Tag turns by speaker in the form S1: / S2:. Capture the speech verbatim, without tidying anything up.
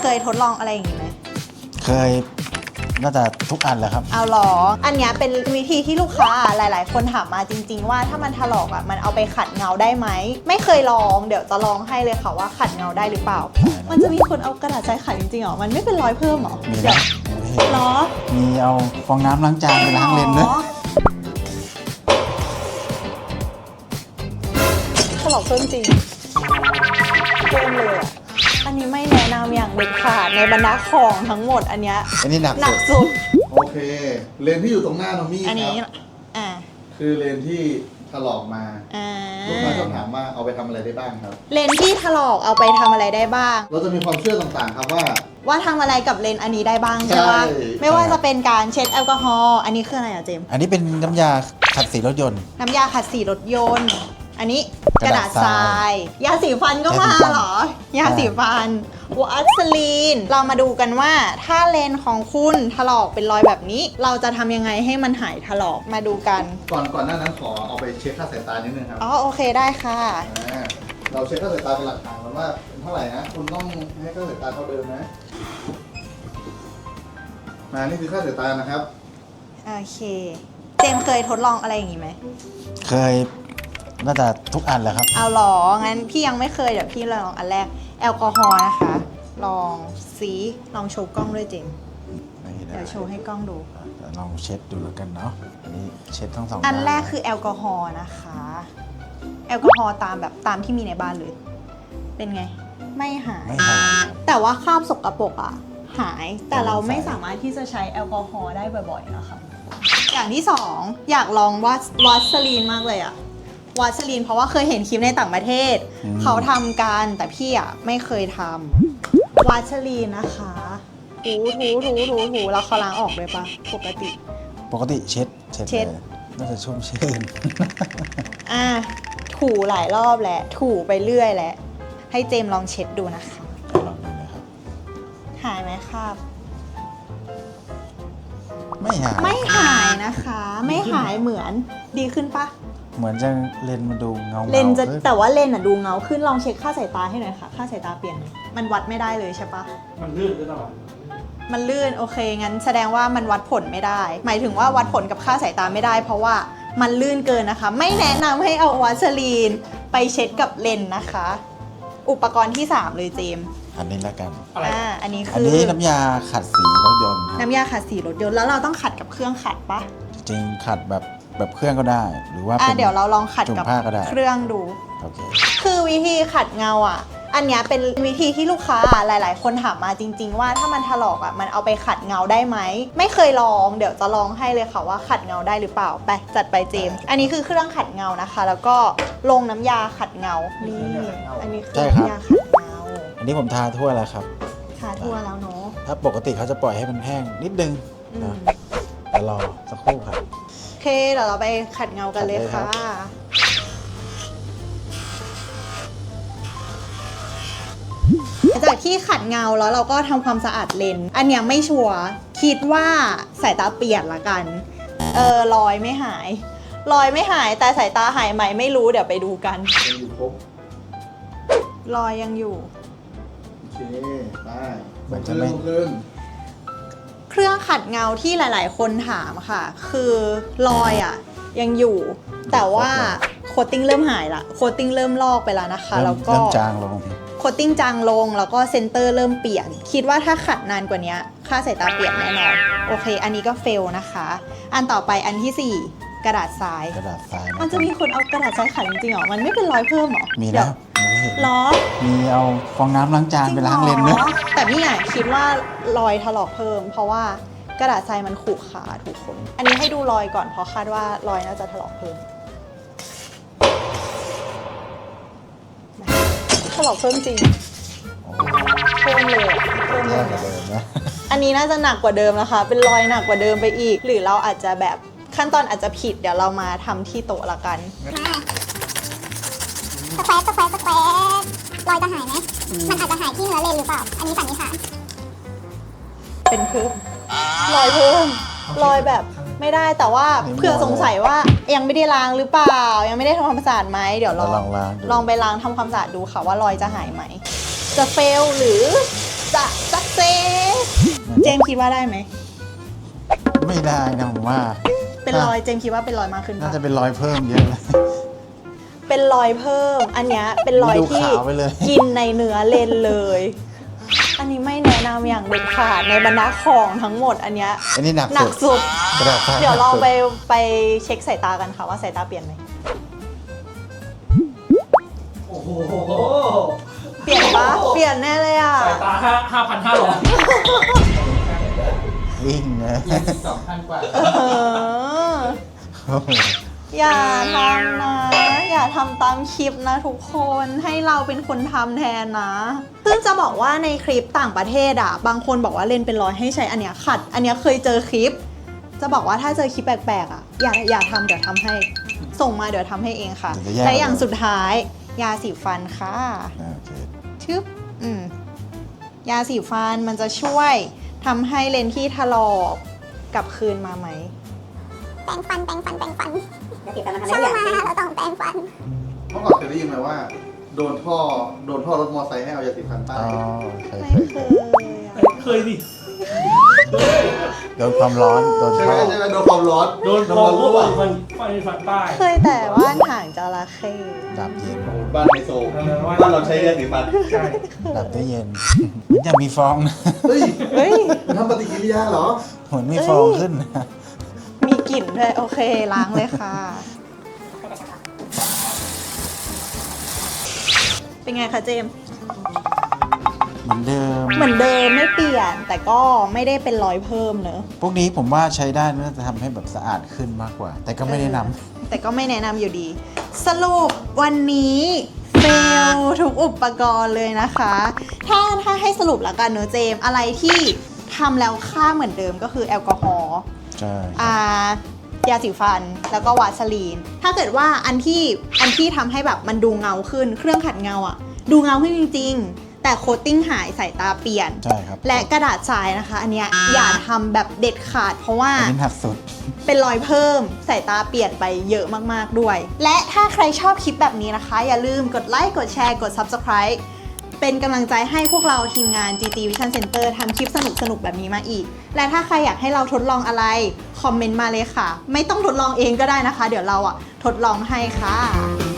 S1: เคยทดลองอะไรอย่างนี้ไหม
S2: เคยน่าจะทุกอันแหละครับ
S1: เอาหรออันนี้เป็นวิธีที่ลูกค้าหลายๆคนถามมาจริงๆว่าถ้ามันถลอกอ่ะมันเอาไปขัดเงาได้ไหมไม่เคยลองเดี๋ยวจะลองให้เลยค่ะว่าขัดเงาได้หรือเปล่ามันจะมีคนเอากระดาษทรายขัดจริงๆหรอมันไม่เป็นรอยเพิ่มหรอ
S2: มีนะ
S1: หรอ
S2: มีเอาฟองน้ำล้างจานไปล้างเลนด้วย
S1: ถลอกเพิ่มจริงเพิ่มเลยอ่ะอันนี้ไม่แนะนำอย่างเด็ดขาดในบรรดาของทั้งหมดอันเนี้ย
S2: อันนี้หนัก
S1: หนักสุด
S3: โอเคเลนที่อยู่ตรงหน้าน้องมี่
S1: อันนี้
S3: ครับ
S1: อ่า
S3: คือเลนที่ถลอกมาลูกค้าชอบถามว่าเอาไปทำอะไรได้บ้างครับ
S1: เลนที่ถลอกเอาไปทำอะไรได้บ้าง
S3: เราจะมีความเชื่อต่างๆครับว่า
S1: ว่าทำอะไรกับเลนอันนี้ได้บ้างใช่ไหมไม่ว่าจะเป็นการเช็ดแอลกอฮอล์อันนี้คืออะไรอะเจม
S2: อันนี้เป็นน้ำยาขัดสีรถยนต์
S1: น้ำยาขัดสีรถยนต์อันนี้กระดาษทรายยาสีฟันก็มาเหรอยาสีฟันวัสลีนเรามาดูกันว่าถ้าเลนของคุณถลอกเป็นรอยแบบนี้เราจะทำยังไงให้มันหายถลอกมาดูกัน
S3: ก่อนก่อนหน้านั้นขอเอาไปเช็คค่าสายตานิดนึงครับ
S1: อ๋อโอเคได้ค่ะ
S3: เราเช็คค่าสายตาเป็นหลักฐานกันว่าเป็นเท่าไหร่นะคุณต้องให้ค่าสายตาเท่าเดิมนะมานี่คือค่าสายตานะครับ
S1: โอเคเจมเคยทดลองอะไรอย่างนี้ไหม
S2: เคยน่าจะทุกอันแหละครับ
S1: เอาหรองั้นพี่ยังไม่เคยเดี๋ยวพี่ลองอันแรกแอลกอฮอล์นะคะลองสีลองโชว์กล้องด้วยเจมเดี๋ยวโชว์ให้กล้องดู
S2: ลองเช็ดดูแล้วกันเนาะอันนี้เช็ดทั้งสอง
S1: อันแรกคือแอลกอฮอล์นะคะแอลกอฮอล์ตามแบบตามที่มีในบ้านเลยเป็นไงไม่หาย
S2: ไม่หาย
S1: แต่ว่าคราบสกปรกอ่ะหายแต่เราไม่สามารถที่จะใช้แอลกอฮอล์ได้บ่อยๆนะคะอย่างที่สองอยากลองวัสวัสลีนมากเลยอ่ะวัสลีนเพราะว่าเคยเห็นคลิปในต่างประเทศเขาทำกันแต่พี่อ่ะไม่เคยทำวัสลีนนะคะถูถูถูถูถูแล้วเขาล้างออกเลยปะปกติ
S2: ปกติเช็ดเช็ดน่าจะชุ่มชื่น
S1: อ่ะถูหลายรอบแหละถูไปเรื่อยแหละให้เจมลองเช็ดดูนะคะ
S2: ลองดูเลยครับ
S1: หายไหมครับ
S2: ไม่หาย
S1: ไม่หายนะคะไม่หายเหมือนดีขึ้นปะ
S2: เหมือนจะเลนมาดูเงา
S1: เลนจะแต่ว่าเลนอะดูเงาขึ้นลองเช็คค่าสายตาให้หน่อยค่ะค่าสายตาเปลี่ยนมันวัดไม่ได้เลยใช่ปะ
S3: มันลื่นตลอด
S1: มันลื่นโอเคงั้นแสดงว่ามันวัดผลไม่ได้หมายถึงว่าวัดผลกับค่าสายตาไม่ได้เพราะว่ามันลื่นเกินนะคะไม่แนะนำให้เอาวัสลีนไปเช็ดกับเลนนะคะอุปกรณ์ที่สามเลยเจม
S2: อันนี้ละกัน
S1: อ่าอันนี้คือ
S2: อันนี้น้ำยาขัดสีรถยนต์
S1: น้ำยาขัดสีรถยนต์แล้วเราต้องขัดกับเครื่องขัดปะ
S2: จริงขัดแบบแบบเครื่องก็ได้หรือว่า
S1: เดี๋ยวเราลองขัดกับเครื่องดู
S2: โอเค
S1: คือวิธีขัดเงาอ่ะอันนี้เป็นวิธีที่ลูกค้าหลายๆคนถามมาจริงๆว่าถ้ามันถลอกอ่ะมันเอาไปขัดเงาได้ไหมไม่เคยลองเดี๋ยวจะลองให้เลยค่ะว่าขัดเงาได้หรือเปล่าไปจัดไปเจมอันนี้คือเครื่องขัดเงานะคะแล้วก็ลงน้ำยาขัดเงานี่อันนี้คือน้ำยาขัดเงา
S2: อันนี้ผมทาทั่วแล้วครับ
S1: ทาทั่วแล้วเนาะ
S2: ถ้าปกติเขาจะปล่อยให้มันแห้งนิดนึงนะแต่รอสักครู่ครับ
S1: โอเคเดี๋ยวเราไปขัดเงากันเลยค่ะหลังจากที่ขัดเงาแล้วเราก็ทำความสะอาดเลนอันเนี้ยไม่ชัวร์คิดว่าสายตาเปลี่ยนละกันเออรอยไม่หายรอยไม่หายแต่สายตาหายไหมไม่รู้เดี๋ยวไปดูกัน
S3: ยังอยู่ครบ
S1: รอยยังอยู่
S3: โอเคได้เหมือนจะไม่ขึ้น
S1: เครื่องขัดเงาที่หลายๆคนถามค่ะคือรอยอ่ะยังอยู่แต่ว่าโคตติ้งเริ่มหายละโคตติ้งเริ่มลอกไปแล้วนะคะแล้วก็
S2: เริ่มจางลง
S1: โคตติ้งจางลงแล้วก็เซนเตอร์เริ่มเปลี่ยนคิดว่าถ้าขัดนานกว่านี้ค่าสายตาเปลี่ยนแน่นอนโอเคอันนี้ก็เฟลนะคะอันต่อไปอันที่สี่กระดาษทราย
S2: กระดาษทราย
S1: มันจะมีคนเอากระดาษทรายขัดจริงๆหรอมันไม่เป็นรอยเพิ่มหรอ
S2: มีนะ
S1: ล้อ
S2: มีเอาฟองน้ำล้างจานไปล้างเลนด้วย
S1: แต่พี่อ่ะคิดว่ารอยถลอกเพิ่มเพราะว่ากระดาษทรายมันขูดขาทุกคนอันนี้ให้ดูรอยก่อนเพราะคาดว่ารอยน่าจะถลอกเพิ่มถลอกเพิ่มจริงเพิ่มเลยเพิ่มเลยอันนี้น่าจะหนักกว่าเดิมนะคะเป็นรอยหนักกว่าเดิมไปอีกหรือเราอาจจะแบบขั้นตอนอาจจะผิดเดี๋ยวเรามาทำที่โต๊ะละกัน
S4: สแควร์สแควร์สแควร์รอยจะหายไหมมันอาจจะหายที่เนื้อเลนหรือเปล่าอันนี้สันนิษฐาน
S1: เป็นเพิ่มรอยเพิ่มรอยแบบไม่ได้แต่ว่าเผื่อสงสัยว่ายังไม่ได้ล้างหรือเปล่ายังไม่ได้ทำความสะอาดไหมเดี๋ยวลองลองไปล้างทำความสะอาดดูค่ะว่ารอยจะหายไหมจะเฟลหรือจะจะเจมส์คิดว่าได้ไหม
S2: ไม่ได้นะผมว่า
S1: เป็นรอยเจมส์คิดว่าเป็นรอยมากขึ้น
S2: น่า
S1: ปะ
S2: จะเป็นรอยเพิ่มเยอะเลย
S1: เป็นรอยเพิ่ม อันเนี้ยเป็นรอย
S2: ดู
S1: ที่
S2: ขาวไปเลย
S1: กินในเนื้อเลนเลย อันนี้ไม่แนะนำอย่างเด็ดขาดในบรรดาของทั้งหมดอันเนี้ย
S2: อันนี้หนัก
S1: หนักสุด
S2: กระดาษทราย
S1: เดี๋ยวลอง
S2: หนักสุ
S1: ไปไปเช็คสายตากันค่ะว่าสายตาเปลี่ยนไหม
S5: โอ้โห
S1: เปลี่ยนปะเปลี่ยนแน่เลยอ่ะ
S5: สายตาห้าห้าพันห้าร้อย
S2: วิ่งนะ
S3: สองพันกว่า
S1: เออ
S2: โอ้โห
S1: อย่าทำนะ อย่าทำตามคลิปนะทุกคนให้เราเป็นคนทำแทนนะ ซึ่งจะบอกว่าในคลิปต่างประเทศอ่ะ บางคนบอกว่าเลนเป็นรอยให้ใช้อันเนี้ยขัด อันเนี้ยเคยเจอคลิป จะบอกว่าถ้าเจอคลิปแปลกๆอ่ะอย่าอย่าทำเดี๋ยวทำให้ ส่งมาเดี๋ยวทำให้เองค่ะ
S2: เดี๋ยวจะแยก
S1: และอย่างสุดท้าย ยาสีฟันค่ะ
S2: โอเค
S1: ชึบอืมยาสีฟันมันจะช่วยทำให้เลนส์ที่ถลอกกลับคืนมาไหม
S4: แปรงฟันแปรงฟันแปรงฟัน
S6: ยาสีฟันมันทำ
S4: ช
S6: ได้
S4: อบ
S6: ทุกอย่าง
S4: มาเราต้องแปรงฟัน
S3: เมื่อก่อนเคยได้ยินไหมว่า โดนท่อโดนท่อรถมอเตอร์ไซค์ให้เอายาสีฟันป้า
S2: อ๋
S3: ย
S2: อเคย
S1: ไม่
S2: เคย
S1: เค
S2: เคย
S1: ยอะ
S5: เคยดิ
S2: โดนความร้อน โดน
S3: ใช่ไห
S2: ท่
S3: ม
S2: อ
S3: ใช่ไหมโดนความร้อน
S5: โดน
S3: น้ำ
S5: มอ
S3: มั
S5: ง
S3: น
S5: ว่า
S3: รั่ว
S5: ฟันฟันฟันป้าย
S1: เคยแต่ว่านหางจระเข้
S2: ดับเย็น
S3: บ้านไฮโซบ้านเราใช้ยาสีฟัน
S5: ใช่
S2: ดับได้เย็นมันจะมีฟองนะ
S3: เฮ้ย
S1: เฮ้ย
S3: มันทำปฏิกิริยาเหรอ
S2: เหมือนมีฟองขึ้นนะ
S1: มีกลิ่นด้วย โอเค ล้างเลยค่ะ เป็นไงคะเจมส์
S2: เหมือนเดิม
S1: เหมือนเดิมไม่เปลี่ยน แต่ก็ไม่ได้เป็นรอยเพิ่มเนอะ
S2: พวกนี้ผมว่าใช้ได้น่าจะทำให้แบบสะอาดขึ้นมากกว่า แต่ก็ไม่แนะนำ
S1: แต่ก็ไม่แนะนำอยู่ดี สรุปวันนี้เฟลทุกอุปกรณ์เลยนะคะ ถ้าถ้าให้สรุปแล้วกันเนอะเจมส์อะไรที่ทำแล้วค่าเหมือนเดิมก็คือแอลกอฮอล์
S2: ใช่
S1: อ่ายาสีฟันแล้วก็วาสลีน ถ้าเกิดว่าอันที่อันที่ทำให้แบบมันดูเงาขึ้น เครื่องขัดเงาอะดูเงาขึ้นจริง ๆ แต่โคตติ้งหายสายตาเปลี่ยน
S2: ใช่ครับ
S1: และกระดาษทรายนะคะ อันเนี้ยอย่าทำแบบเด็ดขาด เพราะว่า
S2: อันนี้หนักสุด
S1: เป็นรอยเพิ่มสายตาเปลี่ยนไปเยอะมากๆด้วย และถ้าใครชอบคลิปแบบนี้นะคะ อย่าลืมกดไลค์กดแชร์กด ซับสไครบ์ เป็นกำลังใจให้พวกเราทีมงาน จี จี Vision Center ทำคลิปสนุกๆแบบนี้มาอีก และถ้าใครอยากให้เราทดลองอะไร คอมเมนต์มาเลยค่ะ ไม่ต้องทดลองเองก็ได้นะคะ เดี๋ยวเราอะทดลองให้ค่ะ